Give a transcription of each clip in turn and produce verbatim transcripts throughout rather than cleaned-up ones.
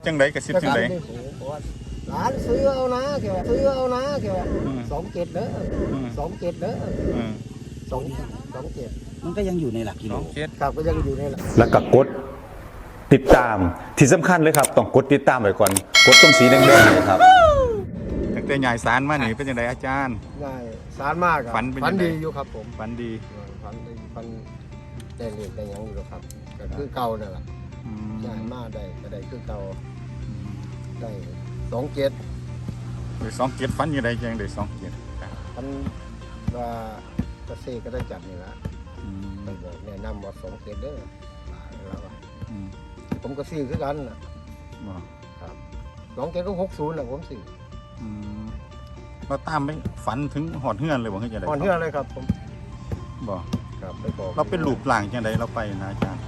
จังไดกระซิบจังไดร้านซื้อเอานะเกี่ยวซื้อเอานะเกี่ยวสองเจ็ดเด้อสองเจ็ดเด้อสองสองเจ็ดมันก็ยังอยู่ในหลักกิโลครับก็ยังอยู่ในหลักแล้วก็กดติดตามที่สำคัญเลยครับต้องกดติดตามไว้ก่อนกดตรงสีแดงๆนี่ครับตั้งแต่ใหญ่สารมานี่เป็นจังไดอาจารย์ใหญ่สารมากฝันฝันดีอยู่ครับผมฝันดีฝันดีฝันได้เรียนได้ยังอยู่ครับก็คือเก่านั่นแหละใหญ่มากได้ก็ได้คือเก่าได้สองเจ็ดหรือสองเจ็ดฝันอยู่ใดจังได้สองเจ็ดฝันว่าเกษตรก็ได้จับนี่ละไปบอกแนะนำว่าสองเจ็ดเด้อแล้วผมก็ซื้อคือกันนะครับสองเจ็ดก็หกศูนย์นะผมซื้อเราตามไปฝันถึงหอดเฮือนเลยบอกให้จังได๋หอดเฮือนเลยครับผมบอกครับไปบอกเราเป็นรูปร่างจังได๋เราไปนะอาจารย์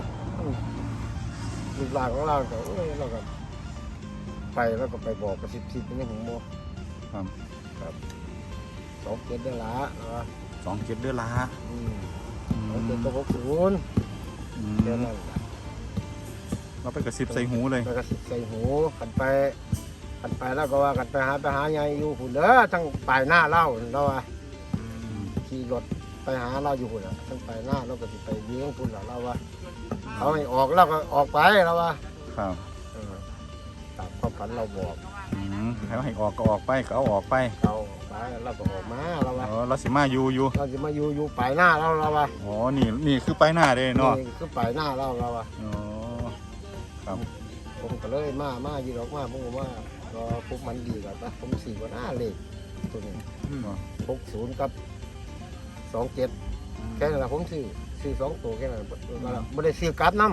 รูปร่างของเราก็เราก็ไปแล้วก็ไปบอกกระซิบซิบนี่ผมบอกครับครับสองเจ็ดเดือนละสองเจ็ดเดือนละสองเจ็ดก็หกศูนย์เดือนนั้นเราไปกระซิบใส่หูเลยไปกระซิบใส่หูกันไปกันไปแล้วก็ว่ากันไปหาไปหาใหญ่อยู่หุ่นเด้อทั้งปลายหน้าเล่าเราว่าขี่รถไปหาเราอยู่หุ่นทั้งปลายหน้าเราก็จะไปเลี้ยงหุ่นเราว่าเขาให้ออกเราก็ออกไปเราว่าครับตามความฝันเราบอกเขาให้ออกก็ออกไปก็เอาออกไปเอาออกไปเราก็ออกมาเราว่าเราสิมาอยู่อยู่เราสิมาอยู่อยู่ปลายหน้าเราเราว่าอ๋อนี่นี่คือปลายหน้าเลยเนาะนี่คือปลายหน้าเราเราว่าอ๋อครับผมก็เลยมามาอยู่ดอกมาผมว่าก็พวกมันดีกว่าผมสี่กว่าหน้าเลขตัวนี้หกศูนย์กับสองเจ็ดแค่นั้นผมซื้อซื้อสองตัวแค่นั้นไม่ได้ซื้อกราฟน้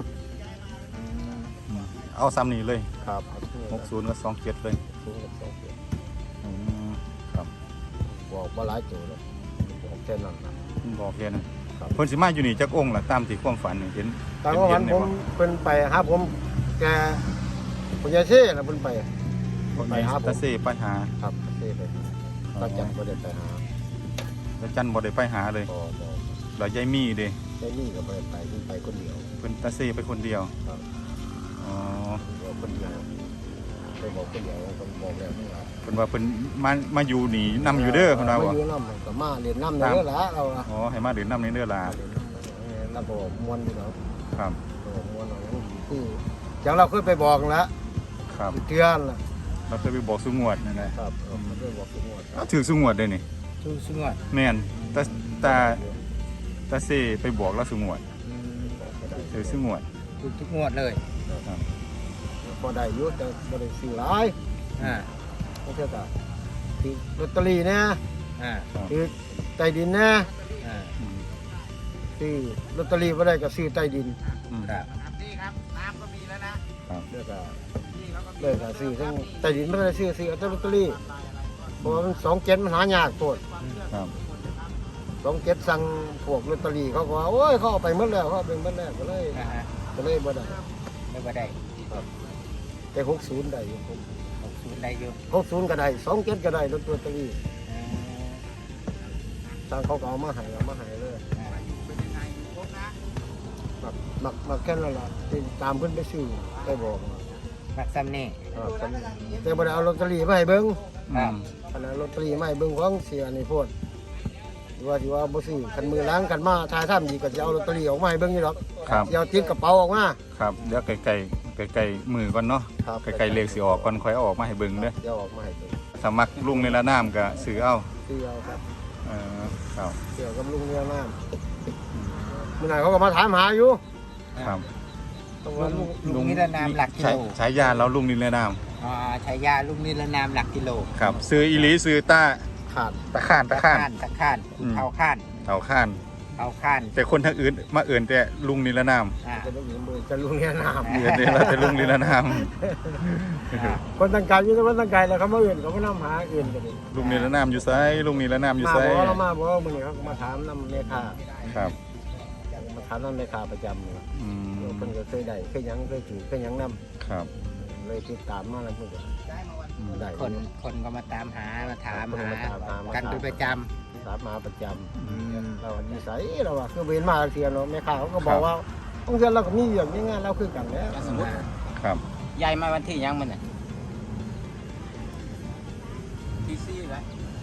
ำเอาซ้ำนี่เลยครับหกศูนย์กับสองเจ็ดเลยศูนย์กับสองเจ็ดครับบอกว่าหลายตัวเลยบอกแค่นั้นนะบอกแค่นั้นเพิ่นสิมาอยู่นี่จักองค์ล่ะตามที่ความฝันเห็นตามความฝันผมเป็นไปหาผมแกผมยายเช่แล้วเป็นไปไปหาตาเซ่ไปหาครับตาเซ่ไปตาจันบ่ได้ไปหาตาจันบ่ได้ไปหาเลยแล้วยายมี่เด้ยายมี่ก็บ่ได้ไปเพิ่นไปคนเดียวเพิ่นตาเซ่ไปคนเดียวครับอ๋อคนเดียวไปบอกคนเดียวคนบอกแล้วเพิ่นว่าเพิ่นมามาอยู่นี่นำอยู่เด้อเพิ่นว่าบ่มาอยู่นำก็มาเรียนนำเด้อล่ะเราอ๋อให้มาเรียนนำในเด้อล่ะแล้วก็ม่วนอยู่เนาะครับม่วนเอาอย่างดีคือจังเราเคยไปบอกแล้วครับเตือนล่ะเราเคยไปบอกสุงวดนั่นแหละครับเราเคยบอกสุงวดเอาถือสุงวดได้นี่ถือสุงวดแม่นตาตาตาเซ่ไปบอกแล้วสุงวดถือสุงวดถูกทุกงวดเลยครับพอได้อยู่แต่บ่ได้ซื้อหลายอ่าบ่เท่ากับที่ลอตเตอรี่นะอ่าคือใต้ดินนะอ่าซื้อลอตเตอรี่บ่ได้ก็ซื้อใต้ดินครับนี่ครับน้ำก็มีแล้วนะครับแล้วก็เลยก็ซื้อทั้งใต้ดินไม่ได้ซื้อซื้อลอตเตอรี่เพราะมันสองเจ็ดมันหายากโคตรครับสองเจ็ดสั่งพวกลอตเตอรี่เขาก็ว่าโอ้ยเขาเอาไปหมดแล้วเขาเป็นหมดแล้วก็เลยก็เลยบ่ได้ไม่บ่ได้ครับแต่หกศูนย์ได้อยู่หกศูนย์ได้อยู่หกศูนย์ก็ได้สองเจ็ดก็ได้ลอตเตอรี่ทางเขาก็เอามาให้เอามาให้เลยมักมักมักแค่นั้นแหละตามเพิ่นไปซื้อไปบอกมักซ้ำนี่แต่บ่ได้เอาลอตเตอรี่มาให้เบิ่งขณะลอตเตอรี่มาให้เบิ่งของเสียนี่โพดว่าสิว่าบ่ซื้อคันมือล้างกันมาทายถ้ำอีกก็จะเอาลอตเตอรี่ออกมาให้เบิ่งนี่หรอกสิเอาติดกระเป๋าออกมาครับเดี๋ยวไกลๆไกลๆมือก่อนเนาะไกลๆเลขสิออกก่อนค่อยเอาออกมาให้เบิ่งเด้อเดี๋ยวออกมาให้เบิ่งถ้ามักลุงในละน้ำก็ซื้อเอาซื้อเอาครับเออครับเกี่ยวกับลุงในละน้ำมื้อไหนเขาก็มาถามหาอยู่ครับลุงนิรนามหลักกิโลฉายาเราลุงนิรนามอ่าฉายาลุงนิรนามหลักกิโลครับซื้ออีหลีซื้อต้าข่านตะข้านตะข้านตะข้านเท้าข้านเท้าข้านเท้าข้านแต่คนทางอื่นมาเอื่นแต่ลุงนิรนามจะลุงมือจะลุงนิรนามเอื่นเนี่ยเราจะลุงนิรนามคนต่างกายอยู่แต่คนต่างกายแล้วเขามาเอื่นเขาก็นำหาเอื่นกันลุงนิรนามอยู่ไซลุงนิรนามอยู่ไซมาบอกเรามาบอกว่ามื่อนี้เขามาถามนำเมฆาครับมาถามนำเมฆาประจำเลยเพิ่นก็เคยได้เคยยังเคยถือเคยยังนำครับเลยติดตามมาแล้วเพิ่นก็ได้คนคนก็มาตามหามาถามหากันเป็นประจำถามมาประจำเรานิสัยเราอะคือเว้นมาเสียเนาะแม่ค้าเขาก็บอกว่าบางทีเราก็มีอย่างนี้งานเราคือกันแล้วครับยายมาวันที่ยังมันน่ะที่สี่แล้ว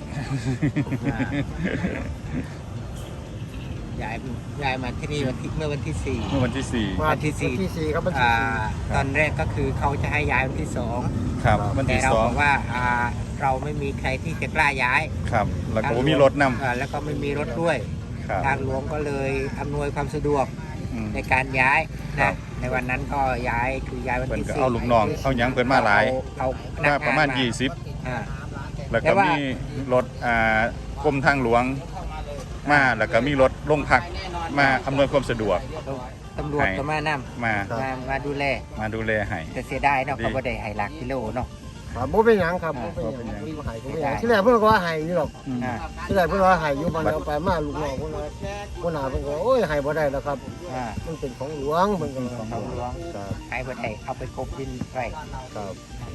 ยายยายมาที่นี่วันที่เมื่อวันที่สี่เมื่อวันที่สี่วันที่สี่วันที่สี่ครับวันที่อ่าสี่ตอนแรกก็คือเขาจะให้ย้ายวันที่สองครับวันแต่ที่เราสอบ งอกว่าอ่าเราไม่มีใครที่จะกล้าย้ายครับแล้วก็บ่มีรถนำอ่าแล้วก็ไม่มีรถด้วยครับทางหลวงก็เลยอำนวยความสะดวกอืมในการย้ายครันะบในวันนั้นก็ย้ายคือย้ายวันเพิ่นที่ก็สี่เอาลูกน้องเอาหยังเพิ่นมาหลายเอาพนักมางนประมาณยี่ยี่สิบอ่าแล้วแต่ก็ว่ามีรถอ่ากรมทางหลวงมาแล้วก็มีรถโรงพักมาอำนวยความสะดวกตำรวจก็มานำมามามาดูแลมาดูแลให้แต่เสียดายเนาะดีเขาบ่ได้ให้หลักกิโลเนาะครับบ่เป็นหยังครับบ่เป็นหยังบ่หายก็บ่เป็นหยังที่แรกเพิ่นก็ว่าให้อยู่หรอกอืมอ่าที่แรกเพิ่นว่าให้อยู่มันเอาไปมาลูกน้องเพิ่นว่าหัวหน้าเพิ่นก็ว่าโอ้ยให้บ่ได้แล้วครับอ่ามันเป็นของหลวงเพิ่นก็ว่าของหลวงครับให้บ่ได้เอาไปกบดินไว้ครับ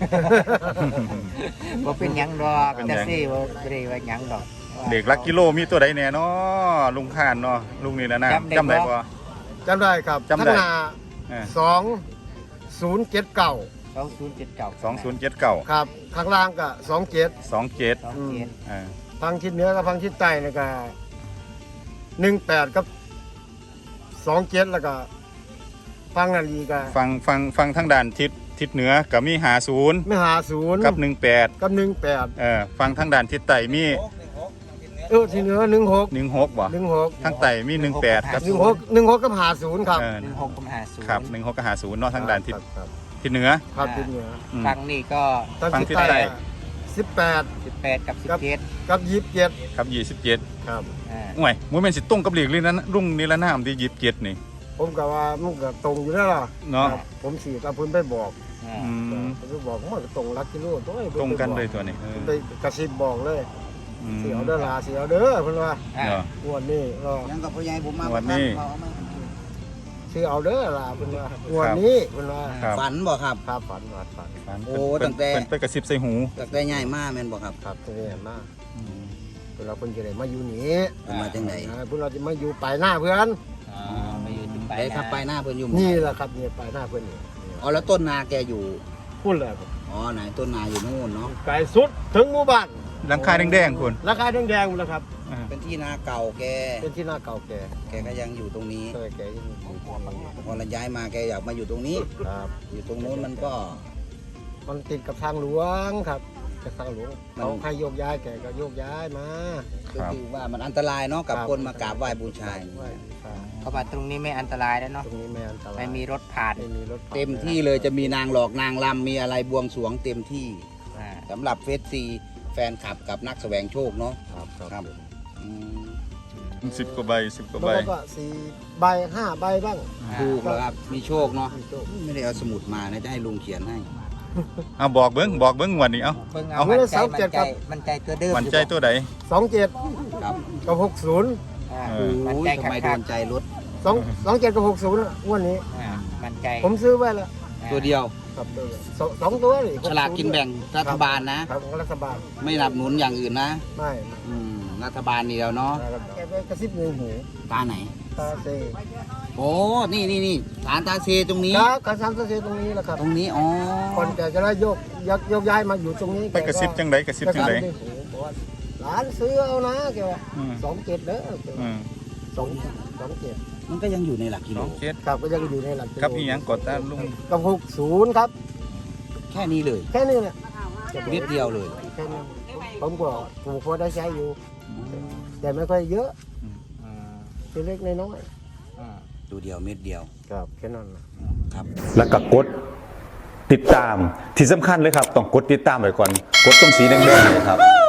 บ่เป็นหยังดอกเป็นหยัแต่งสิบ่ได้ว่าหยังดอกเด็กลักกิโลมีตัวใดแน่เนาะลุงข้านเนาะลุงนี่แหละนะจำได้จำได้บ่บ่จำได้ครับจำได้ข้างหน้าเออสองศูนย์เจ็ดเก้าสองศูนย์เจ็ดเก้าสองศูนย์เจ็ดเก้าครับข้างล่างก็สองเจ็ดสองเจ็ดสองเจ็ดอ่าฟังทิศเหนือกับฟังทิศใต้นี่ก็หนึ่งแปดกับสองเจ็ดแล้วก็ฟังนาลีก็ฟังฟังฟังทางด้านทิศทิศเหนือก็มีห้าสิบไม่หาศูนย์กับหนึ่งแปดกับหนึ่งแปดเออฟังทางด้านทิศใต้มีเออที่เหนือหนึ่งหกหนึ่งหกบ่หนึ่งหกทางใต้มีหนึ่งแปดกับหนึ่งหกหนึ่งหกกับหาศูนย์ครับเออหนึ่งหกกับห้าศูนย์ครับหนึ่งหกกับห้าศูนย์เนาะทางด้านทิศครับทิศเหนือครับทิศเหนืออืมฟังนี่ก็ทางฟังทิศทิศใต้ใต้สิบแปดสิบแปดกับสิบเจ็ดกับยี่สิบเจ็ดครับยี่สิบเจ็ดครับอ่าห่วยมวยแม่นสิตรงกับเหลีกเลยนะรุ่งนี่ละน้ำที่ยี่สิบเจ็ดนี่ผมก็ว่ามันก็ตรงอยู่แล้วล่ะเนาะครับผมสี่กับเพิ่นไปบอกอ่าอืมผมไปบอกมันก็ตรงลักกิโลตัวไอ้ตรงกันเลยตัวนี้เออไปกระซิบบอกเลยอืมเสียวเด้อลาเสียวเด้อเพิ่นว่าอ่าเนาะงวดนี้ก็ยังกับพ่อใหญ่ผมมาวันนี้เสียวเด้อลาเพิ่นว่างวดนี้เพิ่นว่าครับฝันบ่ครับครับฝันฝันฝันฝันโอ้เพิ่นตั้งแต่เพิ่นไปกระซิบใส่หูตั้งแต่ใหญ่มากแม่นบ่ครับครับตัวนี้มาอืมเพิ่นเราเพิ่นจะได้มาอยู่นี่เป็นมาจังไดอ่าเพิ่นเราจะมาอยู่ปลายหน้าเพื่อนอ่าไปอยู่ที่ไปได้ครับไปหน้าเพิ่นอยู่หมู่นี่แหละครับนี่ปลายหน้าเพิ่นนี่อ๋อแล้วต้นนาแกอยู่พูดเลยครับอ๋อไหนต้นนาอยู่นู่นเนาะไกลสุดถึงหมู่บ้านหลังคาแดงๆคุณราคาแดงๆหมดแล้วครับอ่าเป็นที่นาเก่าแกเป็นที่หน้าเก่าแก่แกก็ยังอยู่ตรงนี้เคยแก่ยังอยู่ที่นี่พอเราย้ายมาแกอยากมาอยู่ตรงนี้ครับอยู่ตรงนู้นมันก็มันติดกับทางหลวงครับกับทางหลวงมันเขาให้โยกย้ายแกก็โยกย้ายมาก็คือว่ามันอันตรายเนาะกับครับคนมากราบไหว้บูชาไหว้บูชาเพราะว่าตรงนี้ไม่อันตรายแล้วเนาะตรงนี้ไม่อันตรายไม่มีรถผ่านไม่มีรถผ่านเต็มที่เลยจะมีนางหลอกนางลำมีอะไรบวงสรวงเต็มที่อ่าสำหรับเฟสซีแฟนคลับกับนักแสวงโชคเนาะครับคครัรับบ อืมสิบกว่าใบสิบกว่าใบแล้วก็สี่ใบห้าใบบ้างถูกแล้วครับมีโชคเนาะมีโชคไม่ได้เอาสมุดมานะจะให้ลุงเขียนให้เอาบอกเบิ้งบอกเบิ้งงวันนี้เอาเบิ่งเอาเอามันใจมันใจมันใจตัวเดิมมันใจตัวใดสองเจ็ดครับกับหกศูนย์อ่าเอโอ้มันยใจทำไมโดขาดนใจรถสองสองเจ็ดกับหกศูนย์งวันนี้อ่ามันใจผมซื้อไว้แล้วตัวเดียวครับตัวสองสองตัวนี่ฉลากกินแบ่งรัฐบาลนะครับของรัฐบาลไม่สนับสนุนอย่างอื่นนะไม่อืมรัฐบาลนี่แล้วเนาะแกไปกระซิบในหูตาไหนตาเซโอ้ นี่นี่นี่ฐานตาเซตรงนี้ครับกระซับตาเซตรงนี้แหละครับตรงนี้ อ๋อคนแกจะได้โยกยกยกย้ายมาอยู่ตรงนี้ไปกระซิบจังไดกระซิบกระจังซิไดบในหูบอกว่าหลานซื้อเอานะแกว่าอืมสองเจ็ดเด้อแกอืว่าม สองสองเจ็ดมันก็ยังอยู่ในหลักกิสโลองเจ็ดครับก็ยังอยู่ในหลักกิโลครับอีหยังกดตาลุงกับหกศูนย์ครับแค่นี้เลยแค่นี้เนี่ยนิดเดียวเลยแค่นี้ผมก็ปลูกพอได้ใช้อยู่ แต่ไม่ค่อยเยอะอืมเป็นเล็กน้อยอืมดูเดียวเม็ดเดียวๆครับแค่นั้นนะครับแล้วก็กดติดตามที่สำคัญเลยครับ ต้องกดติดตามไว้ก่อน กดตรงสีแดงๆเนยครับ